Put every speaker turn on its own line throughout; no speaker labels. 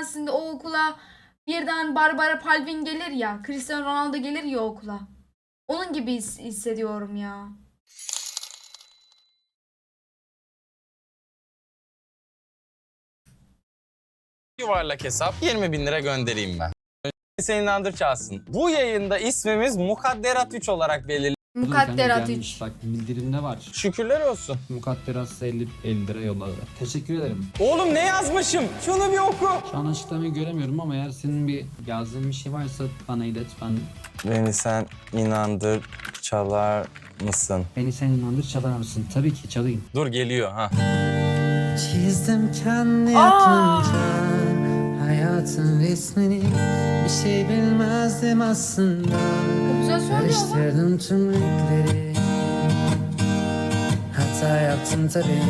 tanesinde o okula birden Barbara Palvin gelir ya. Cristiano Ronaldo gelir ya okula. Onun gibi hissediyorum ya.
Yuvarlak hesap 20.000 lira göndereyim ben. Seni inandır çalsın. Bu yayında ismimiz Mukadderat 3 olarak belirli.
Mukadderat 3.
Bak bildirimde var.
Şükürler olsun.
Mukadderat 50 lira yolladı. Teşekkür ederim.
Oğlum ne yazmışım? Şunu bir oku.
Şu an açıklamayı göremiyorum ama eğer senin bir yazdığın bir şey varsa bana ilet.
Beni sen inandır çalar mısın?
Beni sen inandır çalar mısın? Tabii ki çalayım.
Dur geliyor ha.
Çizdim kendi aklımca hayatın resmini. Bir şey bilmezdim aslında.
Çok güzel söylüyor lan.
Karıştırdım tüm renkleri. Hata yaptım tabii.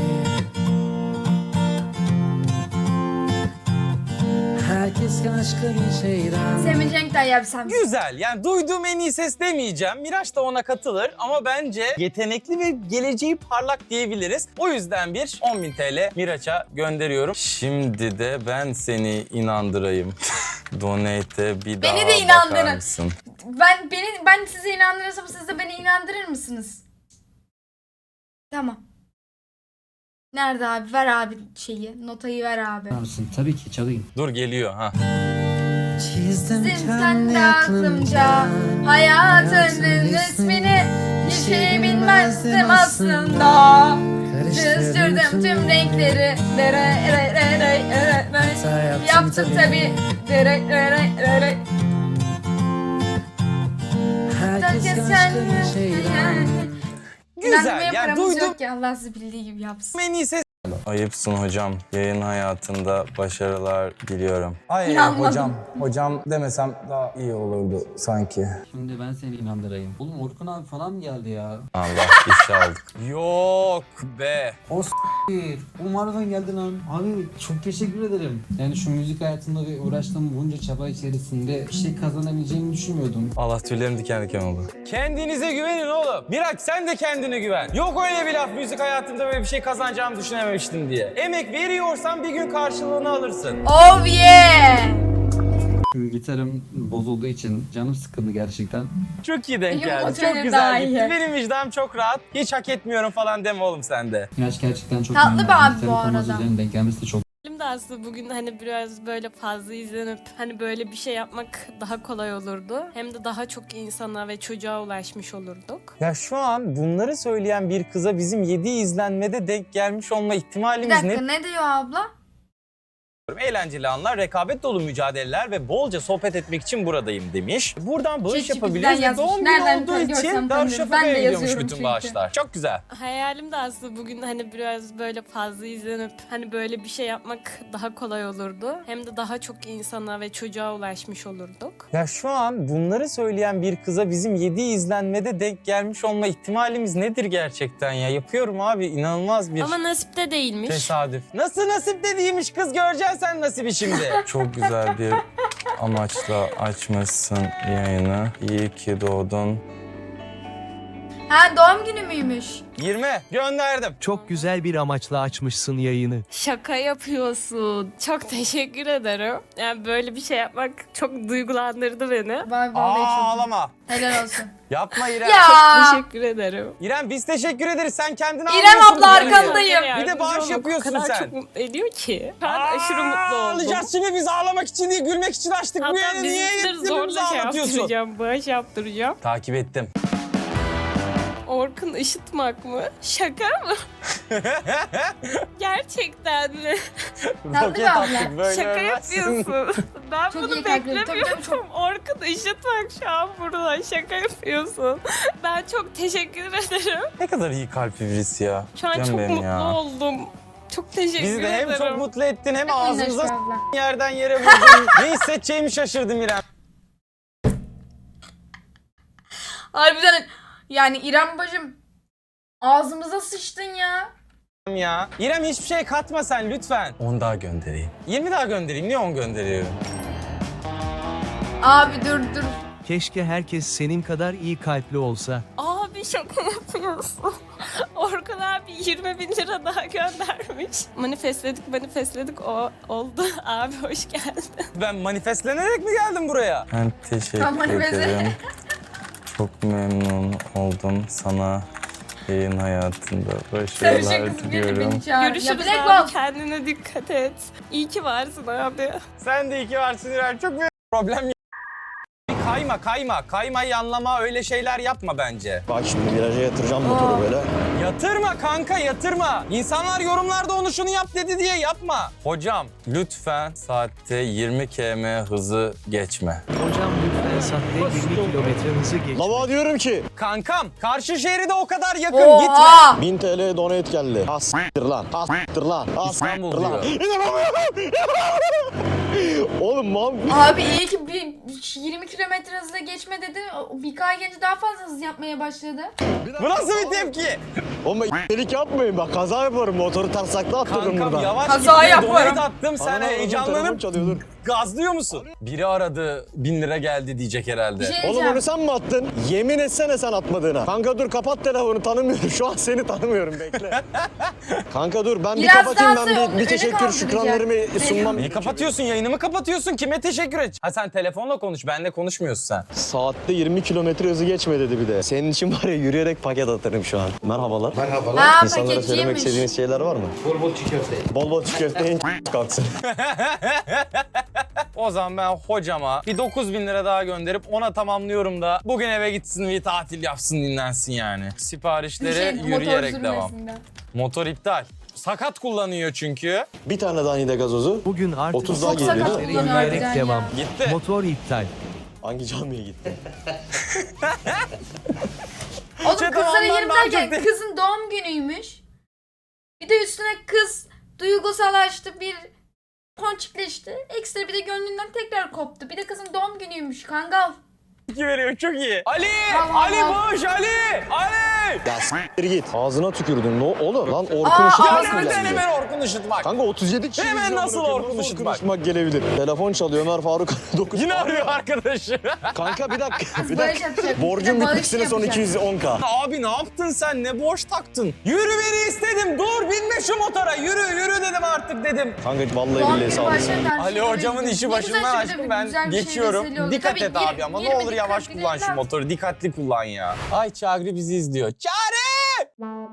Herkes başka bir şeyden.
Semih Cenk'ten yapsam.
Güzel. Yani duyduğum en iyi ses demeyeceğim. Miraç da ona katılır ama bence yetenekli ve geleceği parlak diyebiliriz. O yüzden bir 10.000 TL Miraç'a gönderiyorum. Şimdi de ben seni inandırayım. Donate'e bir daha
Beni de inandırın.
bakar mısın?
Ben sizi inandırırsam siz de beni inandırır mısınız? Tamam. Nerede abi? Ver abi şeyi. Notayı ver abi.
Çalar mısın? Tabii ki çalayım.
Dur geliyor ha.
Çizdim
Sen
kendi
de aklımca hayatının resmini. Bir şey bilmezdim aslında. Kızdırdım tüm renkleri. Yaptım tabi.
Herkes başka bir şeyden.
Güzel. Yani duydum
yok ki Allah sizi bildiği gibi yapsın.
en iyi ses. Ayıpsın hocam. Yayın hayatında başarılar diliyorum. Ay
İnanmadım.
hocam demesem daha iyi olurdu sanki.
Şimdi ben seni inandırayım. Oğlum Orkun abi falan mı geldi ya?
Allah ifşa aldık. Yok be.
O s***ir. Umarım geldin lan. Abi çok teşekkür ederim. Yani şu müzik hayatında ve uğraştığım bunca çaba içerisinde bir şey kazanabileceğimi düşünmüyordum.
Allah tüylerim diken diken oldu. Kendinize güvenin oğlum. Miraç sen de kendine güven. Yok öyle bir laf müzik hayatında böyle bir şey kazanacağımı düşünememiştim diye. Emek veriyorsan bir gün karşılığını alırsın.
Oh yeah!
Gitarım bozulduğu için canım sıkıldı gerçekten.
Çok iyi denk
Yok,
geldi.
o
Çok
benim daha
güzel
iyi.
gitti. Benim vicdanım çok rahat. Hiç hak etmiyorum falan deme oğlum sen de.
İlaç gerçekten çok
Tatlı
memnun
bir
oldum.
abi bu
Gitarın forması
arada.
üzerine denk gelmesi de çok
Benim de aslında bugün hani biraz böyle fazla izlenip hani böyle bir şey yapmak daha kolay olurdu. Hem de daha çok insana ve çocuğa ulaşmış olurduk.
Ya şu an bunları söyleyen bir kıza bizim 7 izlenmede denk gelmiş olma
Bir
ihtimalimiz
dakika ne diyor abla?
Eğlenceli anlar, rekabet dolu mücadeleler ve bolca sohbet etmek için buradayım demiş. Buradan bağış
ChatGPT'den
yapabiliriz ve
yazmış.
doğum günü
Nereden
olduğu
görsem
için
tanırım.
Darüşşafaka'ya
Ben de
gidiyormuş
yazıyorum
bütün
çünkü.
bağışlar. Çok güzel.
Hayalim de aslında bugün hani biraz böyle fazla izlenip hani böyle bir şey yapmak daha kolay olurdu. Hem de daha çok insana ve çocuğa ulaşmış olurduk.
Ya şu an bunları söyleyen bir kıza bizim 7 izlenmede denk gelmiş olma ihtimalimiz nedir gerçekten ya? Yapıyorum abi, inanılmaz bir
Ama nasipte değilmiş.
tesadüf. Nasıl nasip dediğiymiş kız, göreceksin sen nasibi şimdi. Çok güzel bir amaçla açmışsın yayını. İyi ki doğdun.
Ha doğum günü müymüş?
20 gönderdim.
Çok güzel bir amaçla açmışsın yayını.
Şaka yapıyorsun. Çok teşekkür ederim. Yani böyle bir şey yapmak çok duygulandırdı beni.
Vay vallahi çok iyi.
Ağlama.
Helal olsun.
Yapma İrem.
Ya.
Teşekkür ederim.
İrem biz teşekkür ederiz. Sen kendini
İrem
almıyorsun
abla
bu parayı.
arkandayım.
Bir de bağış yapıyorsun
O kadar
sen.
çok mutlu ediyor ki. Ben aşırı mutlu oldum.
Alacağız şimdi, biz ağlamak için değil gülmek için açtık bu
Hatta
yayını. Niye
bizimkileri
hepimizi
zorla şey
ağlatıyorsun?
yaptıracağım, bağış yaptıracağım.
Takip ettim.
Orkun ışıtmak mı? Şaka mı? Gerçekten mi?
Tatlı
Roket
bir abla.
attık böyle
Şaka
ölmezsin.
yapıyorsun. Ben
Çok
bunu
iyi kalpli. Tabii,
beklemiyordum.
tabii,
Orkun ışıtmak şu an burada. Şaka yapıyorsun. Ben çok teşekkür ederim.
Ne kadar iyi kalpli birisi ya.
Şu an
Canım
çok
benim
mutlu
ya.
oldum. Çok teşekkür
Bizi de
ederim.
hem çok mutlu ettin hem
Minnoş
ağzımıza
bir abla.
yerden yere vurdun. Ne hissedeceğimi şaşırdım İrem.
Harbiden yani İrem bacım ağzımıza sıçtın ya.
Ya. İrem hiçbir şey katma sen lütfen. 10 daha göndereyim. 20 daha göndereyim. Niye 10 gönderiyorum?
Abi dur.
Keşke herkes senin kadar iyi kalpli olsa.
Abi şaka yapıyorsun. Orkun abi 20.000 lira daha göndermiş. Manifestledik o oldu. Abi hoş geldin.
Ben manifestlenerek mi geldim buraya? Ben teşekkür
Tamam, manifest-
ederim. Çok memnun oldum sana. Yayın hayatında
Sarışın
başarılar
kızım geldi
diliyorum.
beni çağır. Ya
Görüşürüz
Black
abi.
Bolt.
Kendine dikkat et. İyi ki varsın abi.
Sen de iki varsın İrem. Çok büyük problem yok. Kaymayı anlama, öyle şeyler yapma bence.
Bak şimdi viraja yatıracağım motoru böyle.
Yatırma kanka, yatırma. İnsanlar yorumlarda onu şunu yap dedi diye yapma. Hocam lütfen saatte 20 km hızı geçme.
Hocam lütfen saatte 20 kilometre hızı geç.
Lava diyorum ki
Kankam karşı şeride o kadar yakın, gitme.
Oha.
1000 TL donate geldi. As**tir lan. As**tir lan.
İstanbul
As**tir lan.
diyor.
İnanamıyorum. Oğlum mam.
Abi iyi ki bir 20 kilometre hızla geçme dedi. Birkaç genç daha fazla hız yapmaya başladı.
Bu nasıl bir tepki?
Oğlum delik yapmayın bak kaza yaparım. Motoru tarsakla attırırım
Kankam
buradan.
yavaş
Kaza
gitme,
yaparım.
donate attım, sen
Ana, telefon
heyecanlanıp
çalıyor, dur.
gazlıyor musun? Biri aradı, 1000 lira geldi diyecek herhalde.
Bir şey
Oğlum
diyeceğim.
onu sen mi attın? Yemin etsene sen atmadığına. Kanka dur kapat telefonu, tanımıyorum. Şu an seni tanımıyorum, bekle. Kanka dur ben bir
Biraz
kapatayım,
daha
ben
sonra
bir
öne
teşekkür
kaldıracak.
şükranlarımı sunmam.
Niye kapatıyorsun? Yayını mı kapatıyorsun? Kime teşekkür et? Ha sen telefonla konuş, benle konuşmuyorsun sen.
Saatte 20 kilometre hızı geçme dedi bir de. Senin için var ya yürüyerek paket atarım şu an. Merhabalar.
Ha
İnsanlara söylemek
paketçiymiş.
istediğiniz şeyler var mı? Bol bol çiğ köfte. Bol bol çiğ köfte kalksın.
O zaman ben hocama bir 9.000 lira daha gönderip ona tamamlıyorum da bugün eve gitsin ve tatil yapsın, dinlensin yani. Siparişlere
Motor
yürüyerek devam.
sürmesinden.
Motor iptal. Sakat kullanıyor çünkü.
Bir tane daha nide gazozu.
Bugün artık
30 daha
Çok
geliyor.
sakat
değil mi?
kullanıyor
yürüyerek
harbiden
devam.
ya.
Gitti.
Motor iptal.
Hangi camiye gitti?
Oğlum
Çetin
kızlara
ondan
20
daha
derken
çok
kızın doğum günüymüş. Bir de üstüne kız duygusallaştı, bir ponçikleşti. Ekstra bir de gönlünden tekrar koptu. Bir de kızın doğum günüymüş kangal.
İki veriyor, çok iyi. Ali!
Tamam,
Ali
tamam.
boş, Ali! Ali!
Ya s**tir git. Ağzına tükürdün. Ne oğlum? Lan Orkun
Aa,
Işıtmak
ağzına
mı
Neden
geldi?
hemen Orkun Işıtmak?
Kanka 37 kişi
Hemen
izliyor
nasıl
bunu.
Orkun Işıtmak?
Işıtmak gelebilir. Telefon çalıyor Ömer Faruk 9.
Yine arıyor arkadaşı.
Kanka bir dakika. Bir
Bağış
dakika.
yapacak.
Borcum
Bir de bağış
bitmesine son
yapacak.
210k.
Abi ne yaptın sen? Ne borç taktın? Yürü beni istedim. Dur binme şu motora. Yürü dedim artık dedim.
Kanka vallahi
Doğum
billahi
günü
sağ olasın.
başlarken
Ali
şurada
hocamın
bir-
işi
ne güzel
başımdan
şurada
aşkım,
bir
ben
güzel bir şey
geçiyorum.
vesile oldu.
Dikkat
Tabii
et abi ama ne
20
olur yavaş
dikkat
kullan şu
edin.
motoru. Dikkatli kullan ya. Ay Çağrı bizi izliyor. Çağrı!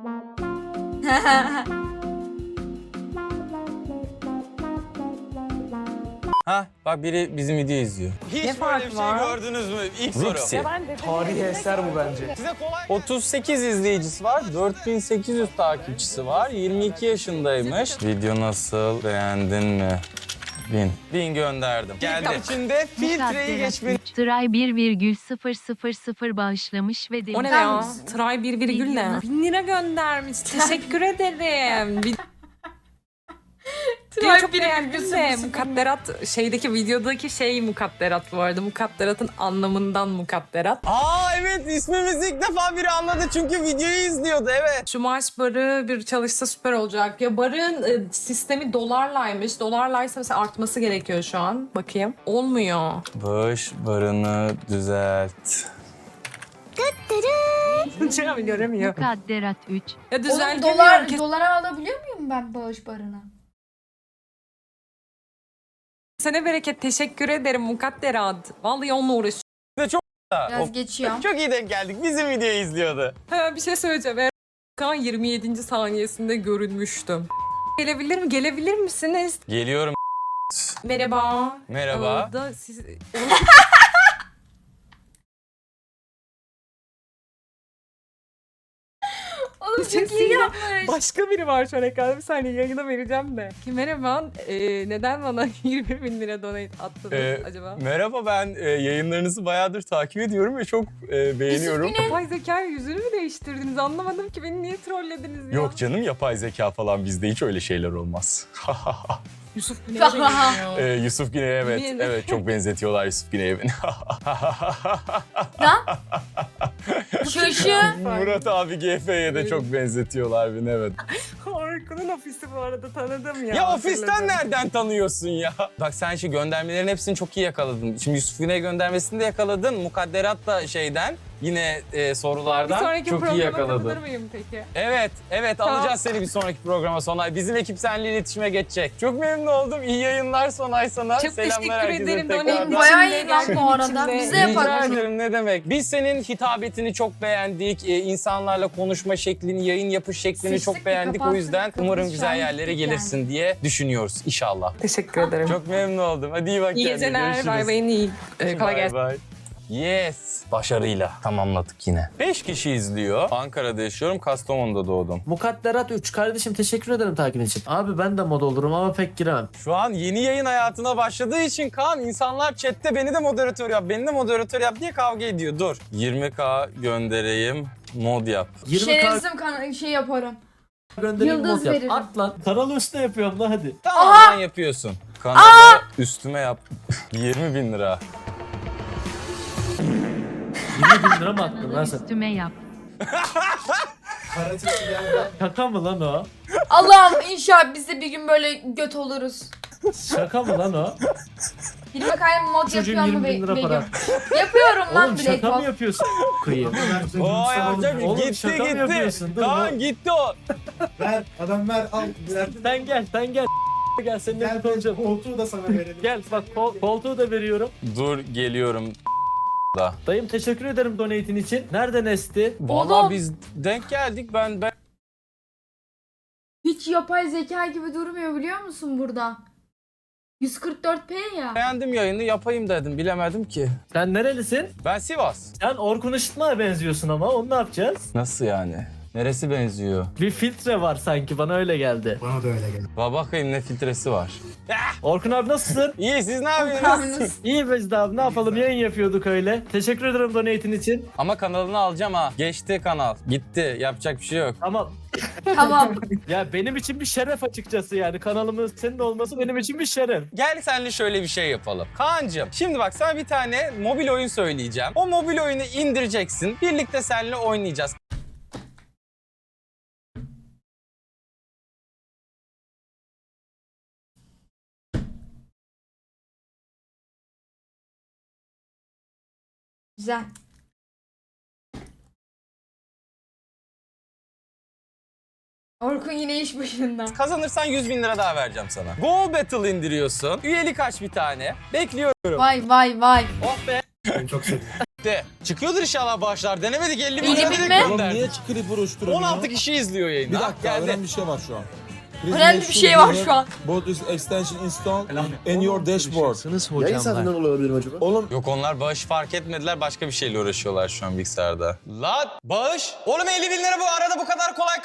Ha bak biri bizim video izliyor. Hiç böyle bir şey gördünüz mü? İlk soru.
Tarihi eser bu bence.
Size kolay. 38 izleyicisi var, 4800 takipçisi var, 22 yaşındaymış. Video nasıl, beğendin mi? 1000 gönderdim. Geldi. İçinde filtreyi geçmeyi...
Tray 1,000 bağışlamış ve demiş.
O ne ya? Tray 1 ne? 1000 lira göndermiş. Teşekkür ederim. Videoyu çok beğendim de mukadderat şeydeki videodaki şey mukadderat bu arada. Mukadderatın anlamından mukadderat.
Aa evet, ismimizi ilk defa biri anladı çünkü videoyu izliyordu, evet.
Şu maaş barı bir çalışsa süper olacak. Ya barın sistemi dolarlaymış. Dolarlaysa mesela artması gerekiyor şu an. Bakayım. Olmuyor.
Bağış barını düzelt.
Göremiyor.
Mukadderat 3.
Ya
Oğlum
düzeltemiyor.
dolara alabiliyor muyum ben bağış barına?
Kesene bereket. Teşekkür ederim mukadderat. Vallahi onunla uğraşıyorum.
Biraz geçiyor.
Çok iyi denk geldik. Bizim videoyu izliyordu.
Ha, bir şey söyleyeceğim. Erkan 27. saniyesinde görünmüştüm. Gelebilir misiniz?
Geliyorum.
Merhaba.
Merhaba.
Da siz...
Oğlum çok iyi yapmış.
Başka biri var şu an ekranda. Bir saniye yayına vereceğim de. Merhaba. Neden bana 20.000 lira donate attınız acaba?
Merhaba, ben yayınlarınızı bayağıdır takip ediyorum ve çok beğeniyorum.
Yapay zeka yüzünü mü değiştirdiniz? Anlamadım ki beni niye trollediniz ya?
Yok canım, yapay zeka falan, bizde hiç öyle şeyler olmaz.
Yusuf Güney'e benziyor.
Yusuf Güney'e evet.
Yemin-
Evet, çok benzetiyorlar Yusuf Güney'e beni.
Lan. Şaşı.
Murat abi GF'ye de çok benzetiyorlar beni, evet.
Orkun'un ofisi bu arada tanıdım ya.
Ya ofisten
hatırladım.
nereden tanıyorsun ya? Bak sen şu göndermelerin hepsini çok iyi yakaladın. Şimdi Yusuf Güney göndermesini de yakaladın. Mukadderat da şeyden. yine
Bir
sorulardan
sonraki
çok iyi
programa
yakaladın.
katılır mıyım peki?
Evet
Tamam.
alacağız seni bir sonraki programa Sonay. Bizim ekip seninle iletişime geçecek. Çok memnun oldum. İyi yayınlar Sonay sana.
Çok
Selamlar
teşekkür
herkese
ederim.
tekrardan.
Donate
Bayağı
içinde,
iyi lan bu
gerçekten
arada.
içinde.
Bize yapalım.
Rica ederim, ne demek. Biz senin hitabetini çok beğendik. İnsanlarla konuşma şeklini, yayın yapış şeklini
Sıçtık
çok
bir
beğendik. O
kapansın.
yüzden
Kapımız
umarım
şu
güzel
an
yerlere
gittik
gelirsin diye düşünüyoruz inşallah.
Teşekkür ederim.
Çok memnun oldum. Hadi iyi bak
İyi
kendine.
geceler.
Görüşürüz.
Bay bayın iyi. Kolay gelsin.
Bye bye. Yes. Başarıyla tamamladık yine. 5 kişi izliyor. Ankara'da yaşıyorum. Kastamonu'da doğdum.
Mukadderat 3 kardeşim teşekkür ederim takip için. Abi ben de mod olurum ama pek giremem.
Şu an yeni yayın hayatına başladığı için Kaan insanlar chatte beni de moderatör yap, beni de moderatör yap diye kavga ediyor. Dur. 20k göndereyim. Mod yap.
20k
Şerefsizim şey yaparım.
göndereyim
Yıldız
mod yap.
veririm.
At lan. Kanalı üstüne yapıyorum lan hadi.
Tamam sen yapıyorsun. Kanalı üstüme yap. 20.000 lira.
20.000 lira mı attın lan sen?
Üstüme yap.
Şaka mı lan o?
Allah'ım inşallah biz de bir gün böyle göt oluruz.
Şaka mı lan o?
Bir bakayım mod
Çocuğun
yapıyor mu
20.000 lira
Begüm?
para.
Yapıyorum lan
Oğlum
Black
şaka mı
Hawk.
yapıyorsun? Kıyı.
Oo yapacağım.
Oğlum,
Gitti
şaka mı
gitti.
yapıyorsun? Dur,
Kaan
dur.
gitti o.
Ver adam ver al.
Sen gel. Gel seninle bir konuşalım.
Koltuğu da sana verelim.
Gel bak koltuğu da veriyorum.
Dur geliyorum. Da.
Dayım teşekkür ederim donate'in için. Nerede Nesti?
Vallahi
Oğlum.
biz denk geldik. Ben
Hiç yapay zeka gibi durmuyor biliyor musun burada? 144p ya.
beğendim yayını yapayım dedim. Bilemedim ki.
Sen nerelisin?
Ben Sivas.
Sen Orkun Işıtmak'a benziyorsun ama onu ne yapacağız?
Nasıl yani? Neresi benziyor?
Bir filtre var sanki bana öyle geldi.
Bana da öyle geldi.
Bakayım ne filtresi var.
Orkun abi nasılsın?
İyi siz ne yapıyorsunuz?
İyi Becdi abi ne yapalım yayın yapıyorduk öyle. Teşekkür ederim donate'in için.
Ama kanalını alacağım ha. Geçti kanal. Gitti. Yapacak bir şey yok.
Ama
Tamam.
ya benim için bir şeref açıkçası yani kanalımın senin olması benim için bir şeref.
Gel senle şöyle bir şey yapalım. Kaan'cığım şimdi bak sana bir tane mobil oyun söyleyeceğim. O mobil oyunu indireceksin. Birlikte seninle oynayacağız.
Güzel. Orkun yine iş başında.
Kazanırsan 100.000 lira daha vereceğim sana. Go Battle indiriyorsun. Üyelik aç bir tane. Bekliyorum.
Vay vay vay.
Oh be.
Çok sevdim.
De. Çıkıyordur inşallah bağışlar. Denemedik 50.000
50.000
lira
mi?
direkt
Oğlum
gönderdik.
çıkırı buruşturuyor?
16 kişi izliyor yayını.
Bir
Ah,
dakika
geldi.
önemli bir şey var şu an.
Önemli bir şey var şu an.
Both is extension installed in your dashboard.
Şaşırırsınız hocamlar.
olabilirim acaba? Oğlum
Yok onlar bağış fark etmediler. Başka bir şeyle uğraşıyorlar şu an bilgisayarda. Lan bağış. Oğlum 50.000 lira bu arada bu kadar kolay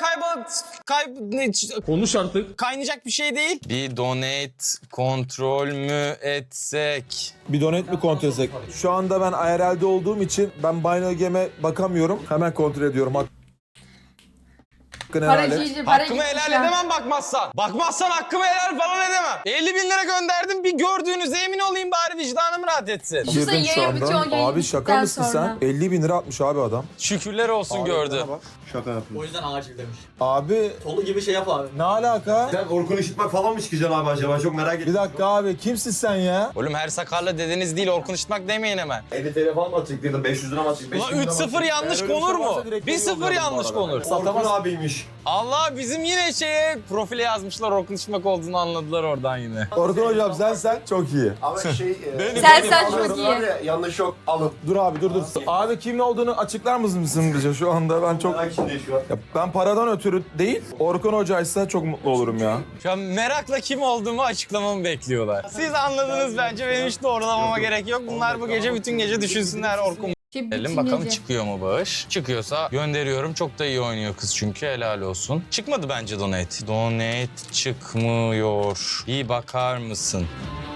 konuş artık.
kaynayacak bir şey değil. Bir donate kontrol mü etsek?
Bir donate mi kontrol etsek? Şu anda ben IRL'de olduğum için ben Binary Game'e bakamıyorum. Hemen kontrol ediyorum. Hakkını helal et.
Paracıydı, para
Hakkımı
gitmiş
helal
ya.
edemem bakmazsan. Bakmazsan hakkımı helal falan edemem. 50.000 lira gönderdim. Bir gördüğünüze emin olayım bari vicdanım rahat etsin.
Düşünsene
Girdim şu
yayın bitiyor,
anda.
yayın
Abi şaka
bittikten
mısın
sonra.
sen? 50.000 lira atmış abi adam.
Şükürler olsun gördü.
Şaka yapıyor.
O yüzden acil demiş.
Abi
Tolu gibi şey yap abi.
ne alaka?
Sen Orkun Işıtmak falan mı çıkacaksın abi acaba? Çok merak ettim.
Bir dakika abi kimsin sen ya?
Oğlum her sakarla dedeniz değil Orkun Işıtmak demeyin hemen.
50 TL falan mı atacak dedim, 500 lira mı atacak?
Ulan 3-0 yanlış
Eğer öyle bir
konur
şey varsa
mu?
direkt
1-0
yollayalım
yanlış
bu arada.
konur.
Orkun abiymiş.
Allah bizim yine profile yazmışlar Orkun Işıtmak olduğunu anladılar oradan yine.
Orkun hocam sen çok iyi.
Ama
Sen çok iyi.
yanlış yok, alın.
Dur abi dur. Abi kimin olduğunu açıklar mısın bize şu anda? Ben çok...
Merak içindeyim şu an.
Ya ben paradan ötürü değil, Orkun hocaysa çok mutlu olurum ya.
Şu an merakla kim olduğumu açıklamamı bekliyorlar. Siz anladınız bence benim hiç doğrulamama gerek yok. Bunlar bu gece bütün gece düşünsünler Orkun. Bakalım
Bakalım
çıkıyor mu bağış? Çıkıyorsa gönderiyorum. Çok da iyi oynuyor kız çünkü helal olsun. Çıkmadı bence donate. Donate çıkmıyor. İyi bakar mısın?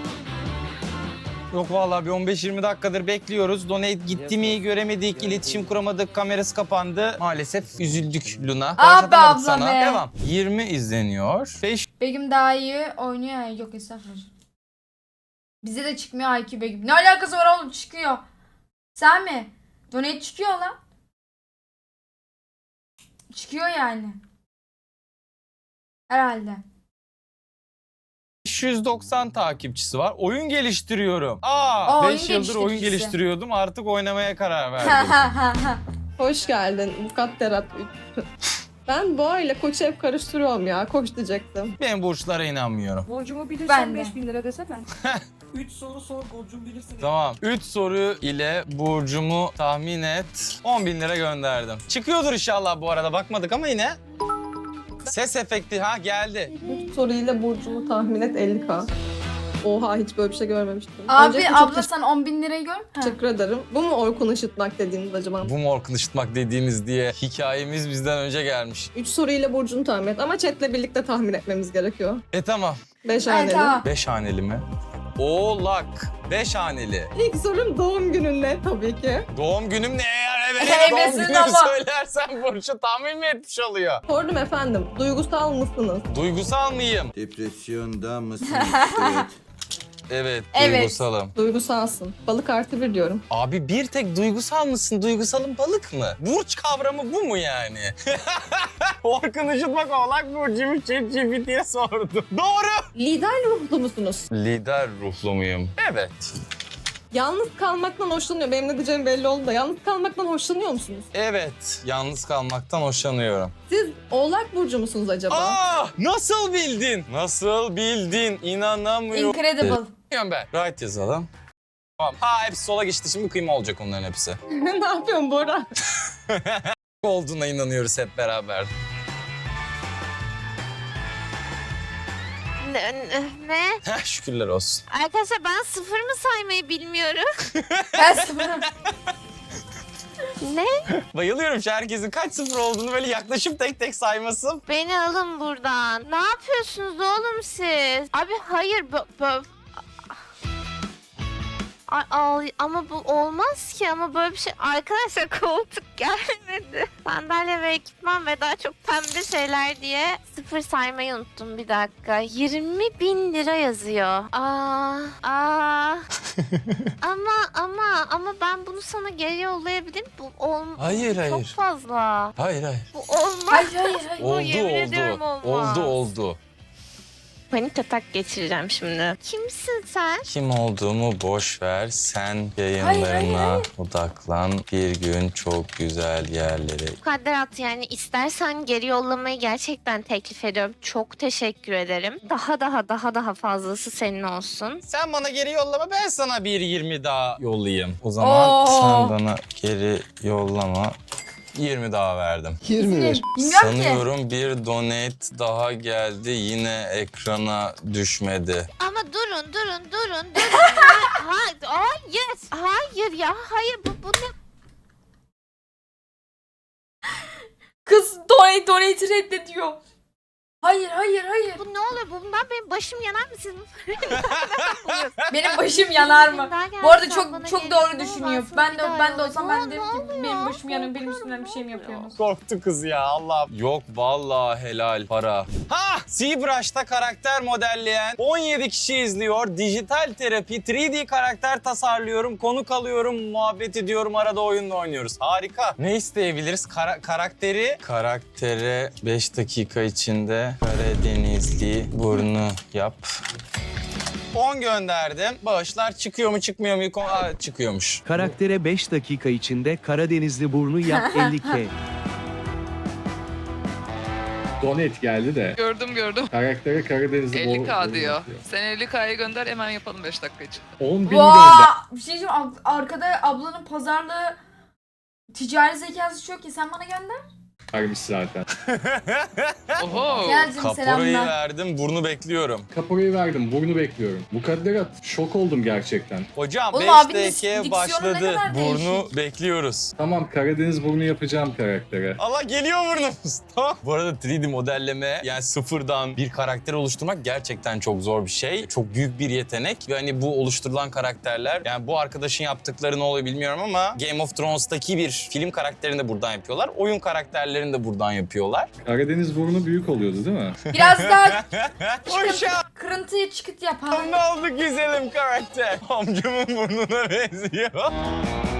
Yok vallahi bir 15-20 dakikadır bekliyoruz. Donate gitti mi göremedik, iletişim kuramadık, kamerası kapandı. Maalesef üzüldük Luna.
Ah be
Bağışlatamadık
abla
sana.
be.
Devam. 20 izleniyor. 5
Begüm daha iyi oynuyor ya. Yok estağfurullah. Bize de çıkmıyor IQ Begüm. Ne alakası var oğlum çıkıyor. Sen mi? Donate çıkıyor lan. Çıkıyor yani. Herhalde.
590 takipçisi var. Oyun geliştiriyorum.
oyun
5 yıldır oyun
geliştiricisi.
geliştiriyordum. Artık oynamaya karar verdim.
Hoş geldin Mukadderat 3. Ben boğa ile koçu hep karıştırıyorum ya. Koç diyecektim.
Ben burçlara inanmıyorum.
Burcumu
Ben de.
5000 lira desene.
3 soru sor, Burcu'm bilirsin.
Tamam. 3 soru ile burcumu tahmin et. 10.000 lira gönderdim. Çıkıyordur inşallah bu arada. Bakmadık ama yine. Ses efekti geldi.
3 soruyla burcumu tahmin et 50k. Oha hiç böyle bir şey görmemiştim.
Abi
Öncelikle
abla sen 10.000 lirayı gör. Ha.
teşekkür ederim. Bu mu Orkun Işıtmak dediğiniz acaba?
Bu morkun ışıtmak dediğiniz diye hikayemiz bizden önce gelmiş.
3 soruyla burcunu tahmin et ama chatle birlikte tahmin etmemiz gerekiyor.
Tamam.
5
Evet,
haneli.
tamam.
5 haneli mi? Oğlak. 5 haneli.
İlk sorum doğum günün ne tabii ki.
Doğum günüm ne eğer evet doğum
Evesin
günümü
ama.
söylersen burcu tahmin mi etmiş oluyor?
Sordum efendim. Duygusal mısınız?
Duygusal mıyım?
Depresyonda mısın?
Evet,
Evet.
duygusalım.
Duygusalsın. Balık + 1 diyorum.
Abi bir tek duygusal mısın? Duygusalın balık mı? Burç kavramı bu mu yani? Orkun Işıtmak Oğlak Burcu'mu ChatGPT'ye sordum. Doğru.
Lider ruhlu musunuz?
Lider ruhlu muyum? Evet.
Yalnız kalmaktan hoşlanıyor. Benim ne diyeceğim belli oldu da. Yalnız kalmaktan hoşlanıyor musunuz?
Evet. Yalnız kalmaktan hoşlanıyorum.
Siz Oğlak Burcu musunuz acaba?
Nasıl bildin? Nasıl bildin? İnanamıyorum.
Incredible.
Ben. Right yazalım. Tamam. Hepsi sola geçti. Şimdi kıyma olacak onların hepsi.
Ne yapıyorsun Bora?
Olduğuna inanıyoruz hep beraber.
Ne?
Şükürler olsun.
Arkadaşlar ben sıfır mı saymayı bilmiyorum.
Ben sıfırım.
Ne?
Bayılıyorum şu herkesin kaç sıfır olduğunu böyle yaklaşıp tek tek sayması.
Beni alın buradan. Ne yapıyorsunuz oğlum siz? Abi hayır ama bu olmaz ki ama böyle bir şey. Arkadaşlar koltuk gelmedi. Sandalye ve ekipman ve daha çok pembe şeyler diye sıfır saymayı unuttum bir dakika. 20.000 lira yazıyor. Ama ben bunu sana geri yollayabilirim. Bu
Hayır.
Çok fazla.
Hayır.
Bu olmaz.
Hayır.
Bu yemin ediyorum olmaz.
Oldu.
Panik atak geçireceğim şimdi. Kimsin sen?
Kim olduğumu boş ver. Sen yayınlarına odaklan. Bir gün çok güzel yerlere.
Mukadderat yani istersen geri yollamayı gerçekten teklif ediyorum. Çok teşekkür ederim. Daha fazlası senin olsun.
Sen bana geri yollama, ben sana bir 20 daha yollayayım. O zaman sen bana geri yollama. 20 daha verdim.
21.
Bilmiyorum ki.
Sanıyorum bir donate daha geldi. Yine ekrana düşmedi.
Ama durun. Hayır ya. Hayır bu ne?
Kız donate reddediyor. Hayır.
Bu ne oluyor? Bundan benim başım yanar mı siz?
Benim başım yanar mı?
Daha geldi,
Bu arada
sen bana
çok
geri
doğru
yolla,
düşünüyor.
sen
Ben de olsam ben
Ne
derim ki
oluyor?
benim başım yanıyor. Benim üstümden bir şey mi yapıyorsunuz?
Korktu kız ya Allah. Yok vallahi helal para. ZBrush'ta karakter modelleyen 17 kişi izliyor. Dijital terapi, 3D karakter tasarlıyorum, konuk alıyorum, muhabbet ediyorum, arada oyunla oynuyoruz. Harika. Ne isteyebiliriz? Karaktere 5 dakika içinde Karadenizli burnu yap. 10 gönderdim. Bağışlar çıkıyor mu çıkmıyor mu? Çıkıyormuş.
Karaktere 5 dakika içinde Karadenizli burnu yap 50k.
Donate geldi de.
Gördüm.
Karaktere Karadenizli
50k diyor. Sen 50k'ya gönder hemen yapalım 5 dakika için.
10.000
Bir şey diyeceğim. Arkada ablanın pazarlığı ticari zekası çok iyi. Sen bana gönder.
göndermiş zaten.
Oho.
Gelcim
Kaporayı
selamlar.
verdim, burnu bekliyorum.
Kaporayı verdim, burnu bekliyorum. Mukadderat şok oldum gerçekten.
Hocam
Oğlum
5
abinin
dakikaya
diksiyonu ne
başladı.
kadar
Burnu
değişik.
bekliyoruz.
Tamam Karadeniz burnu yapacağım karaktere.
Allah geliyor burnumuz. Tamam. Bu arada 3D modelleme yani sıfırdan bir karakter oluşturmak gerçekten çok zor bir şey. Çok büyük bir yetenek ve hani bu oluşturulan karakterler yani bu arkadaşın yaptıkları ne oluyor bilmiyorum ama Game of Thrones'taki bir film karakterini de buradan yapıyorlar. Oyun karakterlerini de buradan yapıyorlar.
Karadeniz burnu büyük oluyordu değil mi?
Biraz daha
Uşağım
kırıntıya çıkıt yapalım.
ne oldu güzelim karakter? Amcamın burnuna benziyor.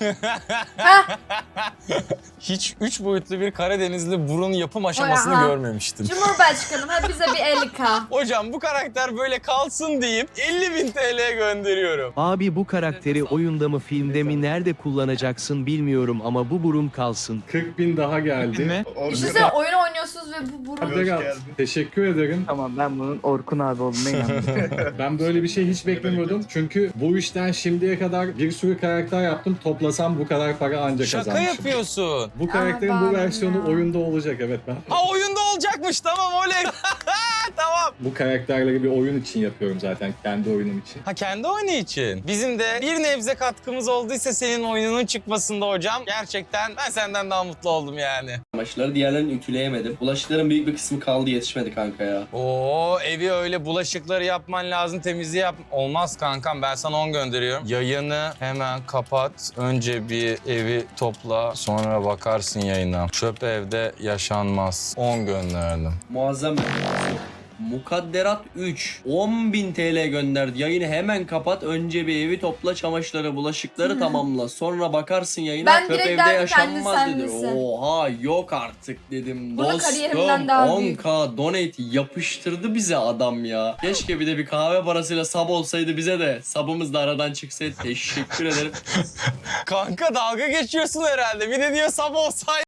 Hah.
Hiç 3 boyutlu bir Karadenizli burun yapım aşamasını
Aha.
görmemiştim.
Cumhurbaşkanım hadi bize bir 50K.
Hocam bu karakter böyle kalsın deyip 50.000 TL gönderiyorum.
Abi bu karakteri oyunda mı filmde mi nerede kullanacaksın bilmiyorum ama bu burun kalsın.
40.000 daha geldi.
Mi?
Düşünsene oyun oynuyorsunuz ve bu burun.
Teşekkür ederim.
Tamam ben bunun Orkun abi olduğuna inandım.
Ben böyle bir şey hiç beklemiyordum. Çünkü bu işten şimdiye kadar bir sürü karakter yaptım. Toplasam bu kadar para ancak
Şaka
kazanmışım.
yapıyorsun.
Bu karakterin
Aa,
bu versiyonu
ya.
oyunda olacak, evet ben.
Ha oyunda olacakmış, tamam oley. Tamam.
Bu karakterleri bir oyun için yapıyorum zaten, kendi oyunum için.
Ha kendi oyunu için. Bizim de bir nebze katkımız olduysa senin oyununun çıkmasında hocam. Gerçekten ben senden daha mutlu oldum yani.
Çamaşırları diğerlerini ütüleyemedim. Bulaşıkların büyük bir kısmı kaldı, yetişmedi kanka ya.
Oo evi öyle bulaşıkları yapman lazım, temizliği yap. Olmaz kankam, ben sana 10 gönderiyorum. Yayını hemen kapat. Önce bir evi topla, sonra bakarsın yayına. Çöp evde yaşanmaz. 10 gönderdim.
Muazzam bir Mukadderat 3 10.000 TL gönderdi. Yayını hemen kapat. Önce bir evi topla, çamaşırları, bulaşıkları tamamla. Sonra bakarsın yayına.
Ben
Çöp
direkt
evde
derdim
yaşanmaz
kendi
dedi.
sen
Oha yok artık dedim.
Bunu
Dostum
kariyerimden daha büyük.
10K donate yapıştırdı bize adam ya. Keşke bir de bir kahve parasıyla sub olsaydı bize de. Sub'ımız da aradan çıksaydı. Teşekkür ederim.
Kanka dalga geçiyorsun herhalde. Bir de diyor sabah olsaydı.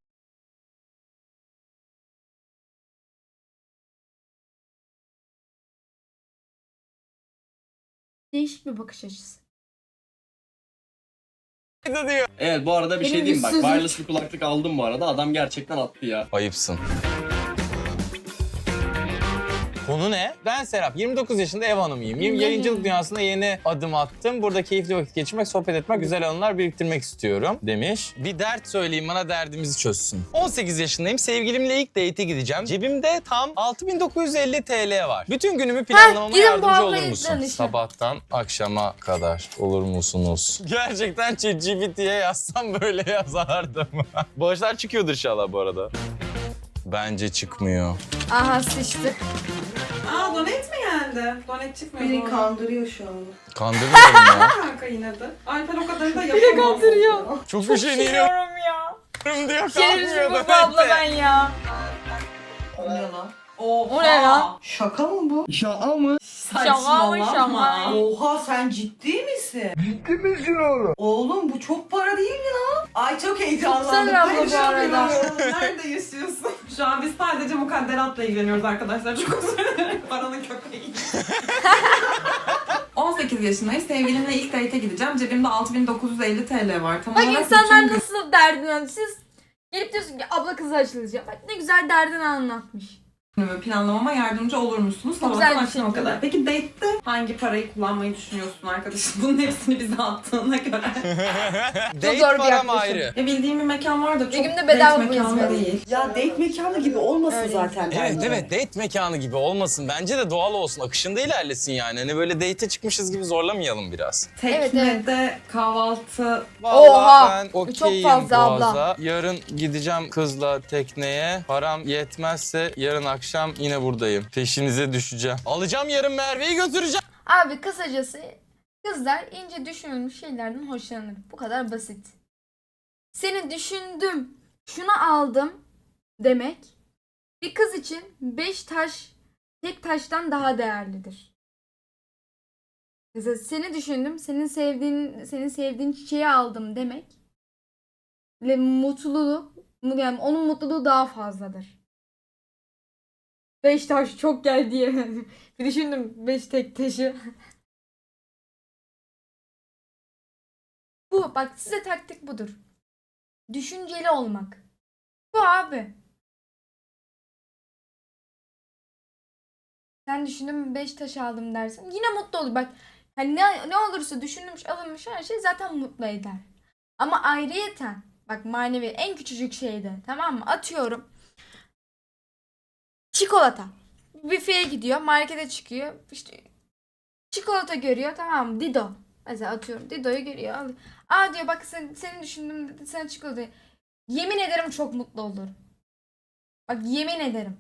Değişik bir bakış açısı.
diyor.
Evet bu arada bir
Benim
şey diyeyim bak.
yüzsüzlük.
Wireless bir kulaklık aldım bu arada. Adam gerçekten attı ya.
Ayıpsın. Konu ne? Ben Serap, 29 yaşında ev hanımıyım. Yayıncılık dünyasına yeni adım attım. Burada keyifli vakit geçirmek, sohbet etmek, güzel anılar biriktirmek istiyorum demiş. Bir dert söyleyeyim bana, derdimizi çözsün. 18 yaşındayım, sevgilimle ilk date'e gideceğim. Cebimde tam 6.950 TL var. Bütün günümü planlamama
gidin bu
yardımcı
ablayı
olur musun?
danışın.
Sabahtan akşama kadar olur musunuz? Gerçekten ChatGPT'ye yazsam böyle yazardım. Bağışlar çıkıyordur inşallah bu arada. Bence çıkmıyor.
Aha sıçtık.
Aa donate mi geldi? Donate çıkmıyor.
Beni kandırıyor şu an.
Kandırmıyorum ya.
Kanka yine de. Alper o kadarını da yapamaz. Beni kandırıyor.
Çok üşeniyorum
Biliyorum ya.
diyor,
Şerefsiz
kalkmıyor
bu
da
abla ben ya.
O ne lan?
O ne lan?
Şaka mı bu?
Şaka
Şaka mı şaka?
Oha sen ciddi misin? Ciddi misin oğlum? Oğlum bu çok para değil mi lan? Ay çok heyecanlandım.
Güzel abla bu arada.
Nerede yaşıyorsun? Şu an biz sadece mukadderatla ilgileniyoruz arkadaşlar. Çok özür dilerim. Paranın köpeği. 18 yaşındayım. Sevgilimle ilk date'e gideceğim. Cebimde 6.950 TL var. Tam
Bak
olarak
insanlar
bütün gün-
nasıl derdini anlatıyor. Siz gelip diyorsun ki abla kızı açılacak. Bak ne güzel derdini anlatmış.
Günümü planlamama yardımcı olur musunuz?
Çok
Sabahtan
güzel bir
akşama
şey.
kadar. Peki date'te hangi parayı kullanmayı düşünüyorsun arkadaşım? Bunun hepsini bize attığına göre.
Date
zor bir
param
yaklaşım.
ayrı.
Ya bildiğim bir mekan var da çok
Begüm'de bedava
date
bu
mekanı
hizmet.
değil.
Ya date mekanı gibi olmasın zaten.
Evet evet, date mekanı gibi olmasın. Bence de doğal olsun. Akışında ilerlesin yani. Hani böyle date'e çıkmışız gibi zorlamayalım biraz.
Teknede kahvaltı.
Vallahi
Oha!
ben
Çok
okeyim
fazla abla.
Boğaz'a. Yarın gideceğim kızla tekneye. Param yetmezse yarın akşam yine buradayım. Peşinize düşeceğim. Alacağım yarın Merve'yi götüreceğim.
Abi kısacası kızlar ince düşünülmüş şeylerden hoşlanır. Bu kadar basit. Seni düşündüm, şunu aldım demek bir kız için 5 taş tek taştan daha değerlidir. Mesela seni düşündüm, senin sevdiğin çiçeği aldım demek ve mutluluğu, yani onun mutluluğu daha fazladır. 5 taş çok gel diye. Bir düşündüm 5 tek taşı. Bu bak size taktik budur. Düşünceli olmak. Bu abi. Sen düşündüm 5 taş aldım dersin. Yine mutlu olur. Bak hani ne olursa düşünülmüş alınmış her şey zaten mutlu eder. Ama ayrıyeten bak manevi en küçücük şeyde tamam mı? Atıyorum. Çikolata. Büfeye gidiyor, markete çıkıyor. İşte çikolata görüyor, tamam mı? Dido. Mesela atıyorum Dido'yu görüyor. Alıyor. Aa diyor bak seni düşündüm dedi, sen çikolata. Yemin ederim çok mutlu olur. Bak yemin ederim.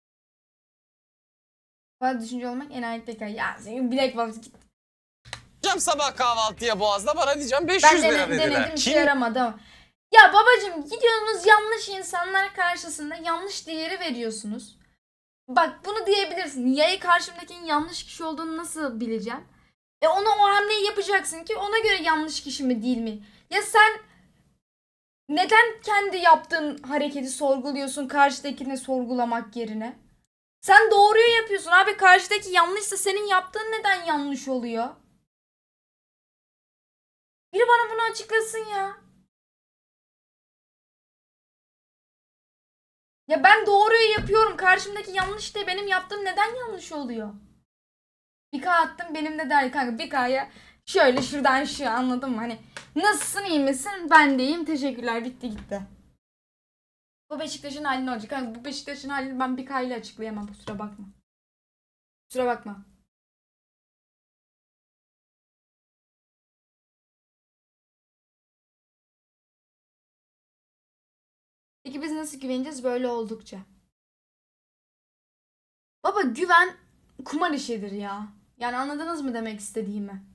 Fazla düşünce olmak enayilik tekrar. Ya senin bilek var git.
gideceğim sabah kahvaltıya Boğaz'da, bana diyeceğim 500
Ben
lira dediler.
denedim, işe yaramadı ama. Ya babacım, gidiyorsunuz yanlış insanlar karşısında yanlış değeri veriyorsunuz. Bak bunu diyebilirsin. Yayı karşımdakinin yanlış kişi olduğunu nasıl bileceğim? Ona o hamleyi yapacaksın ki ona göre yanlış kişi mi değil mi? Ya sen neden kendi yaptığın hareketi sorguluyorsun karşıdakini sorgulamak yerine? Sen doğruyu yapıyorsun abi, karşıdaki yanlışsa senin yaptığın neden yanlış oluyor? Biri bana bunu açıklasın ya. Ya ben doğruyu yapıyorum. Karşımdaki yanlış de benim yaptığım neden yanlış oluyor? Bir K attım, benim de der kanka bir K'ya şöyle şuradan şu, anladın mı? Hani nasılsın, iyi misin? Ben de iyiyim, teşekkürler, bitti gitti. Bu Beşiktaş'ın hali ne olacak? Kanka bu Beşiktaş'ın halini ben bir K ile açıklayamam, kusura bakma. Kusura bakma. Peki biz nasıl güveneceğiz böyle oldukça? Baba güven kumar işidir ya. Yani anladınız mı demek istediğimi?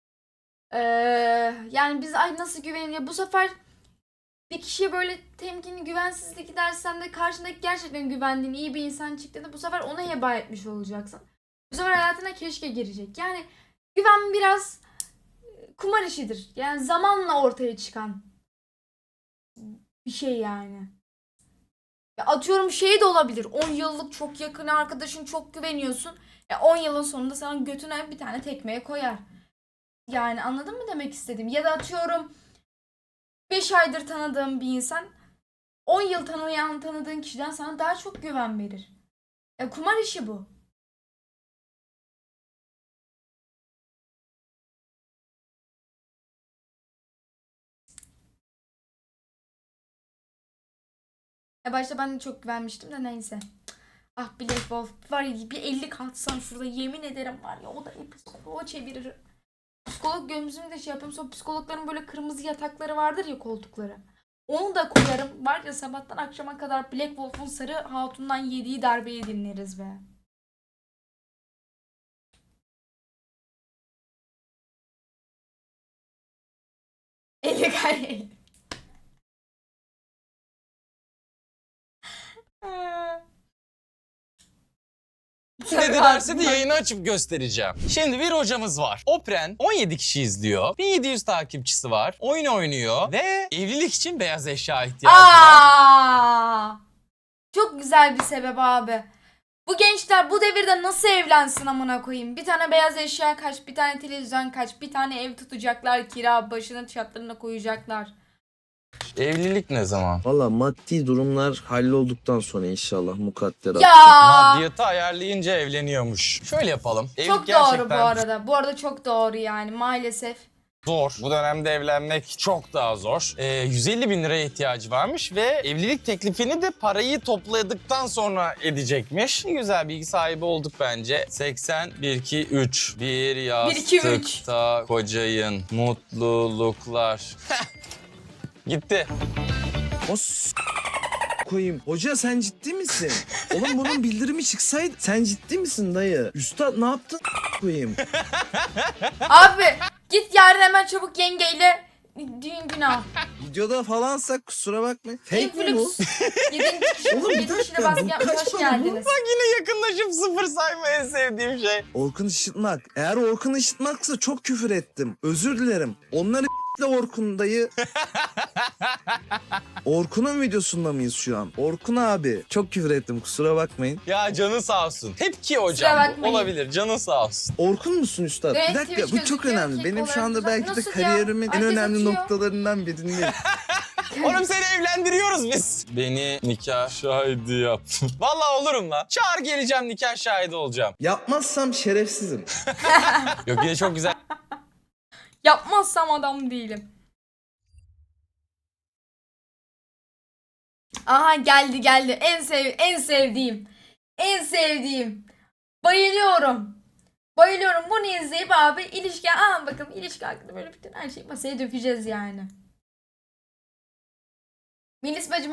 Yani biz ay nasıl güveniyor? Bu sefer bir kişiye böyle temkinli, güvensizlik gidersen de karşındaki gerçekten güvendiğin iyi bir insan çıktı da bu sefer ona heba etmiş olacaksın. Bu sefer hayatına keşke girecek. Yani güven biraz kumar işidir. Yani zamanla ortaya çıkan bir şey yani. Ya atıyorum şey de olabilir. 10 yıllık çok yakın arkadaşın, çok güveniyorsun. 10 yılın sonunda sana götüne bir tane tekmeye koyar. Yani anladın mı demek istediğim? Ya da atıyorum 5 aydır tanıdığım bir insan 10 yıl tanıdığın kişiden sana daha çok güven verir. Kumar işi bu. Başta ben de çok güvenmiştim de neyse. Ah Black Wolf var ya, bir 50 katsan şurada yemin ederim var ya, o da o çevirir. Psikolog gözümü de şey yapıyorum, sonra psikologların böyle kırmızı yatakları vardır ya, koltukları. Onu da koyarım. Var ya sabahtan akşama kadar Black Wolf'un sarı hatundan yediği darbeyi dinleriz be. Eli
Dedilerse de yayını açıp göstereceğim. Şimdi bir hocamız var. Opren 17 kişi izliyor. 1700 takipçisi var. Oyun oynuyor ve evlilik için beyaz eşya ihtiyacı var.
Çok güzel bir sebep abi. Bu gençler bu devirde nasıl evlensin amına koyayım? Bir tane beyaz eşya kaç, bir tane televizyon kaç, bir tane ev tutacaklar, kira başının şartlarına koyacaklar.
Evlilik ne zaman?
Valla maddi durumlar hallolduktan sonra inşallah mukadderat.
Ya
Maddiyatı ayarlayınca evleniyormuş. Şöyle yapalım. Evlilik
çok doğru bu arada. Bu arada çok doğru yani maalesef.
Zor. Bu dönemde evlenmek çok daha zor. 150 bin liraya ihtiyacı varmış ve evlilik teklifini de parayı topladıktan sonra edecekmiş. Güzel bilgi sahibi olduk bence. 80, 1, 2, 3. Bir
1, 2, 3.
yastıkta kocayın. Mutluluklar. Gitti.
Koyayım. Hoca sen ciddi misin? Oğlum bunun bildirimi çıksaydı. Sen ciddi misin dayı? Üstad ne yaptın koyayım?
Abi git yarın hemen çabuk yengeyle düğün günü al.
Videoda falansak kusura bakmayın. Fake mi bu?
Influx. 7. kişi,
Oğlum, bir
7 kişine
dakika,
baskı
bu
yapmış,
kaç
hoş
para bu?
geldiniz.
Bak yine yakınlaşıp sıfır sayma en sevdiğim şey.
Orkun Işıtmak. Eğer Orkun Işıtmak'sa çok küfür ettim. Özür dilerim. Onları Orkun dayı. Orkun'un videosunda mıyız şu an? Orkun abi. Çok küfür ettim kusura bakmayın.
Ya canı sağ olsun. Tepki
Kusura
hocam bu.
bakmayın.
Olabilir. Canı sağ olsun.
Orkun musun üstad?
Evet,
Bir dakika
Twitch
bu çok
gözüküyor,
önemli.
kek
Benim şu
olarak
anda
güzel.
belki de
Nasıl ya?
kariyerimin en
Herkes
önemli
atıyor.
noktalarından birini.
Oğlum seni evlendiriyoruz biz. Beni nikah şahidi yap. Vallahi olurum lan. Çağır geleceğim, nikah şahidi olacağım.
Yapmazsam şerefsizim.
Yok yine çok güzel.
Yapmazsam adam değilim. Aha geldi. En sevdiğim. Bayılıyorum. Bunu izleyip abi ilişki, bakın ilişki hakkında böyle bütün her şeyi masaya dökeceğiz yani. Melis bacım